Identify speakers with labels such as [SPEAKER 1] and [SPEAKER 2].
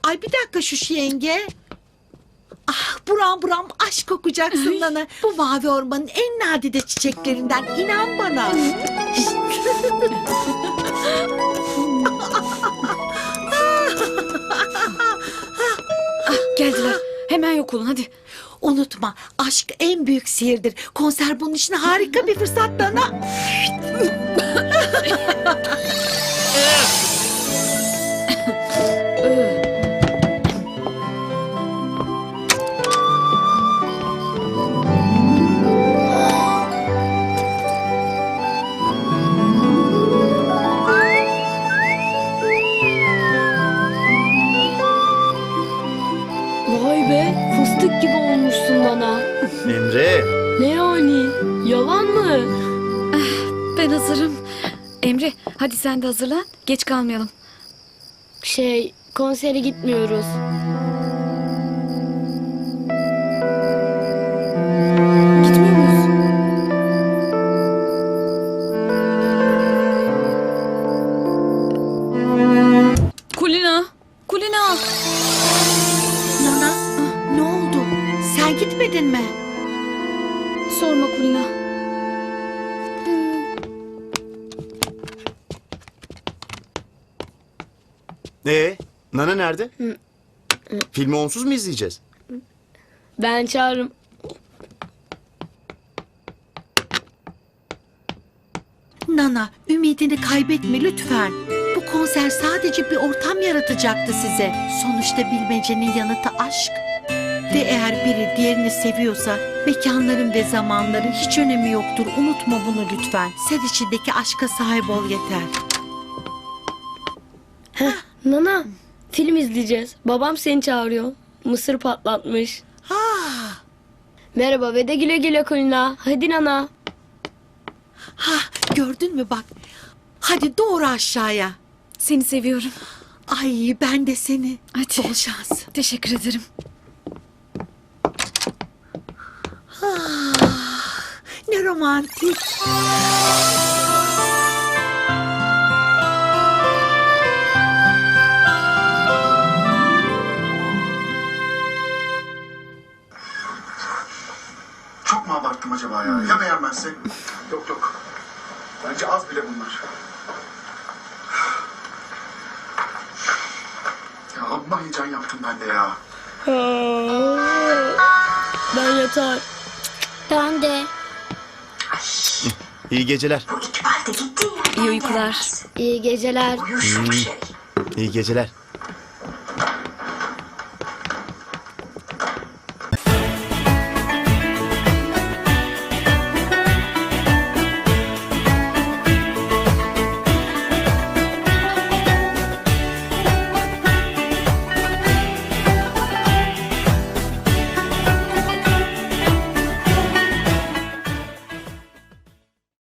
[SPEAKER 1] Ay bir dakika şu yenge. Ah buram buram aşk kokacaksın Nana. Bu mavi ormanın en nadide çiçeklerinden, inan bana.
[SPEAKER 2] Geldiler. Hemen yok olun hadi.
[SPEAKER 1] Unutma, aşk en büyük sihirdir. Konser bunun için harika bir fırsat Nana.
[SPEAKER 3] Vay be, fıstık gibi olmuşsun bana.
[SPEAKER 4] Emre.
[SPEAKER 3] Ne yani? Yalan mı?
[SPEAKER 2] Ben hazırım. Emre hadi sen de hazırlan. Geç kalmayalım.
[SPEAKER 3] Konsere gitmiyoruz.
[SPEAKER 2] Gitmiyor muyuz? Kulina. Kulina.
[SPEAKER 1] Nana, ne oldu? Sen gitmedin mi?
[SPEAKER 2] Sorma Kulina.
[SPEAKER 4] Nana nerede? Filmi onsuz mu izleyeceğiz?
[SPEAKER 3] Ben çağırırım.
[SPEAKER 1] Nana, ümidini kaybetme lütfen. Bu konser sadece bir ortam yaratacaktı size. Sonuçta bilmecenin yanıtı aşk. Ve eğer biri diğerini seviyorsa mekanların ve zamanların hiç önemi yoktur. Unutma bunu lütfen. Sen içindeki aşka sahip ol yeter.
[SPEAKER 3] Nana, film izleyeceğiz. Babam seni çağırıyor. Mısır patlatmış.
[SPEAKER 1] Ah,
[SPEAKER 3] Merhaba ve de güle güle Kulina. Hadi Nana.
[SPEAKER 1] ha, gördün mü bak. Hadi doğru aşağıya.
[SPEAKER 2] Seni seviyorum.
[SPEAKER 1] Ay ben de seni.
[SPEAKER 2] Hadi.
[SPEAKER 1] Bol şans.
[SPEAKER 2] Teşekkür ederim.
[SPEAKER 1] Ne romantik.
[SPEAKER 5] Çok mu abarttım acaba ya? Ya beğenmezse? Yok yok. Bence az bile bunlar. Ya amma heyecan yaptım ben de ya.
[SPEAKER 3] Ben yatar.
[SPEAKER 6] Ben de.
[SPEAKER 4] İyi geceler.
[SPEAKER 6] Bu İkbal de gitti ya.
[SPEAKER 2] İyi uykular.
[SPEAKER 3] İyi geceler.
[SPEAKER 6] Uyuşuk şey.
[SPEAKER 4] İyi geceler.